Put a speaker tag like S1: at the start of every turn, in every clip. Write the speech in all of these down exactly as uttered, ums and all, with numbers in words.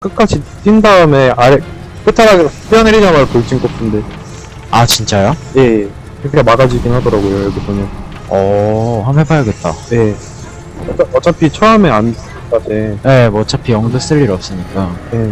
S1: 끝까지 뛴 다음에 아래 끝자락에서 뛰어내리자마자 돌진 꼽는데
S2: 아 진짜요?
S1: 예, 예. 그렇게 막아지긴 하더라고요 여기 보면.
S2: 어 한번 해봐야겠다.
S1: 예. 어차, 어차피 처음에 안 까지.
S2: 네, 뭐 어차피 영도 쓸 일 없으니까.
S1: 예.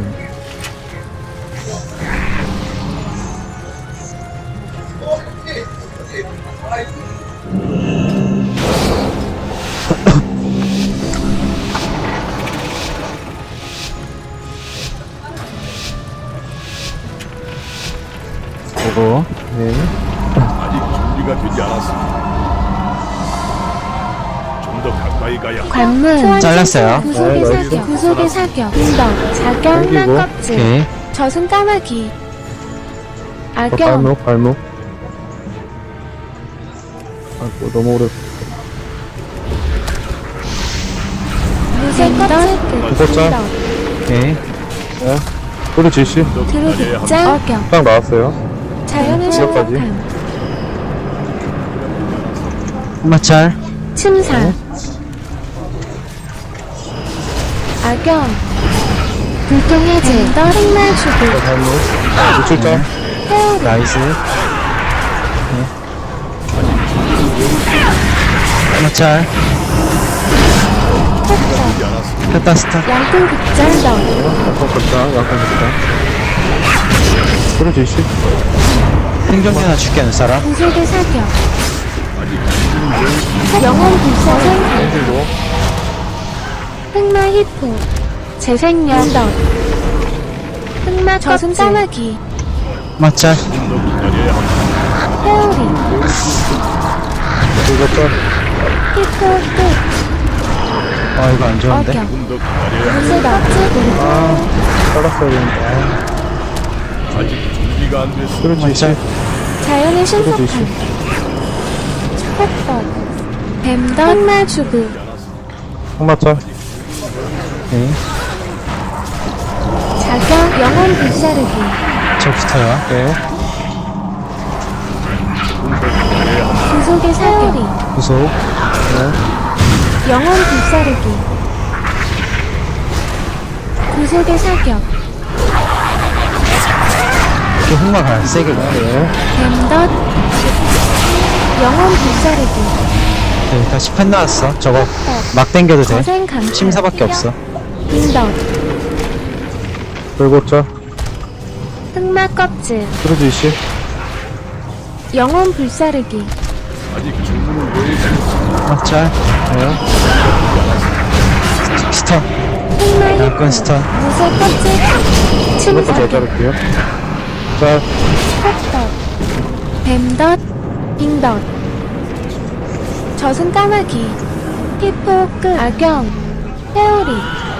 S2: 보고
S1: 예.
S3: 아직 준비가 되지 않았습니다. 좀 더 가까이 가야 합니다.
S4: 관문
S2: 잘랐어요.
S4: 구속의
S1: 네,
S4: 사격
S1: 나이스.
S4: 구속의 사격 인덕 자경
S1: 당기고.
S4: 껍질
S2: 오케이.
S4: 저승 까마귀
S1: 어,
S4: 악영
S1: 발목 발목. 아이고 너무 오래.
S4: 무쇠 껍질 끝
S1: 구속자.
S4: 인덕
S2: 오케이.
S1: 예. 소리 지시.
S3: 더 기다려야 합니다.
S4: 드루극장 어경
S1: 딱 나왔어요.
S4: 자연의
S1: 지역까지.
S4: 신속함
S2: 한마찰.
S4: 침상 악영 불통의 제 흑날 주부
S1: 발목. 노출자.
S4: 회오리
S2: 나이스. 한마찰.
S4: 폭격
S2: 했다 스타.
S4: 양풀 극장 인덕
S1: 약간 극장. 약간 극장. 소리 지시.
S2: 생존기 하나 줄게 하는 사람.
S4: 구속의 사격 영혼 불사생
S1: 그리고
S4: 흑마 히포 재생력 인덕 흑마 저승 까마귀
S2: 마찰.
S4: 회오리
S1: 그리고
S4: 히포 끝
S2: 아 이거 안 좋은데.
S4: 어경
S3: 좀 더 기다려야 합니다.
S4: 무쇠 껍질
S1: 아 잘랐어야 되는데.
S3: 아직 준비가 안 됐습니다.
S1: 소리 지시.
S2: 마찰.
S4: 자연의 신속함
S1: 그래도
S4: 흑덕 뱀덕 흑마 주부
S1: 항마차.
S2: 오케이.
S4: 자경 영혼 불사르기
S2: 저 붙어요.
S1: 예.
S4: 구속의 사격
S2: 구속.
S4: 영혼 불사르기 구속의 사격
S2: 이렇게 흑마 가요. 세게 가요.
S4: 뱀덧 영혼 불사르기
S2: 네, 다시 펜 나왔어. 저거 막 당겨도 돼.
S4: 거센 강타
S2: 침사밖에 없어.
S4: 빈덧
S1: 불고자.
S4: 흑마 껍질
S1: 소리 지시.
S4: 영혼 불사르기
S3: 아직 주문을 외우지
S2: 마찰.
S1: 예.
S2: 스턴.
S4: 흑마
S2: 양권
S4: 히포
S2: 스턴.
S4: 무쇠 껍질
S1: 이것도 잘
S4: 침사격
S1: 자를게요. 자,
S4: 흑덕 뱀덧 빈덧 저승 까마귀 히포 끝 악영 회오리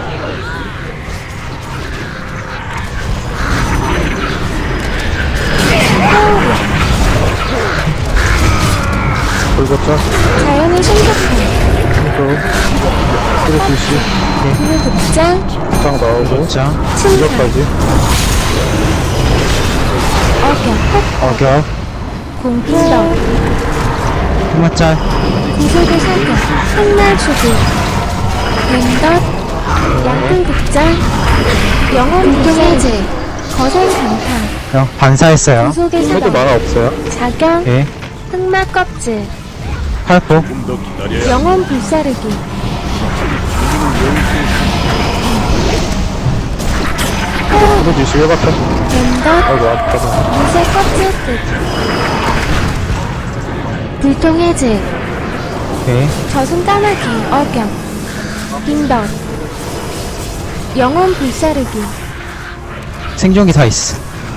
S1: 불고자.
S4: 자연의 신속함
S1: 또 소리 지시.
S4: 구르극장
S1: 극장 나오고.
S2: 자.
S4: 침상
S1: 이것까지.
S4: 어경
S1: 악약.
S4: 공풍덕
S2: 한마찰.
S4: 구속의 사격 흑날 주부 뱀덧 양풀극장 영혼 불사제 거센 강타
S2: 형 반사했어요.
S4: 구속의
S1: 해도
S4: 사격
S1: 만화 없어요.
S4: 자경
S2: 오케이.
S4: 흑마 껍질
S2: 팔포.
S3: 좀 더 기다려야
S4: 영혼 불사르기
S1: 소리 지시 해봤자.
S4: 뱀덧
S1: 아이고, 아프다.
S4: 무쇠 껍질 끝 불통의 질
S2: 오케이.
S4: 저승 까마귀 어경 빈덧 영혼 불사르기
S2: 생존기 다 있어.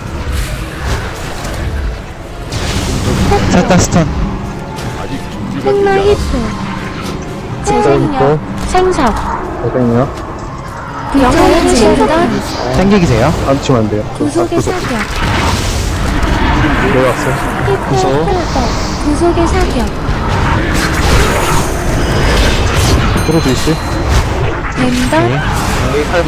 S2: 셋다 스턴.
S3: 아직 준비가
S4: 흑마
S3: 되지
S4: 히포
S1: 또.
S4: 재생력 생석
S1: 고생이요.
S4: 영혼의 질덧
S2: 땡기기세요.
S1: 안 치면 안 돼요.
S4: 구속의 사격
S1: 내려왔어요.
S4: 히포
S2: 구속.
S4: 꿀떡 구속의 사격
S1: 소리 지시.
S4: 뱀덧
S2: 오케이. 팔포.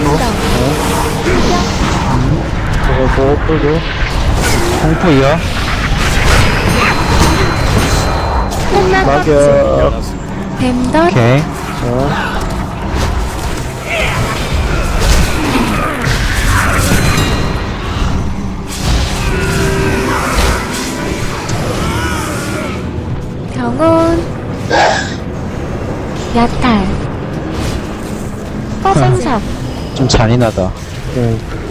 S1: 저거 또 끌고.
S2: 공포 이어.
S4: 흑마 껍질
S1: 낙엽.
S3: 않았습니다.
S4: 뱀덧
S2: 오케이.
S1: 어.
S4: 영혼 야탈 꺼생석
S2: 좀 잔인하다.
S1: 네.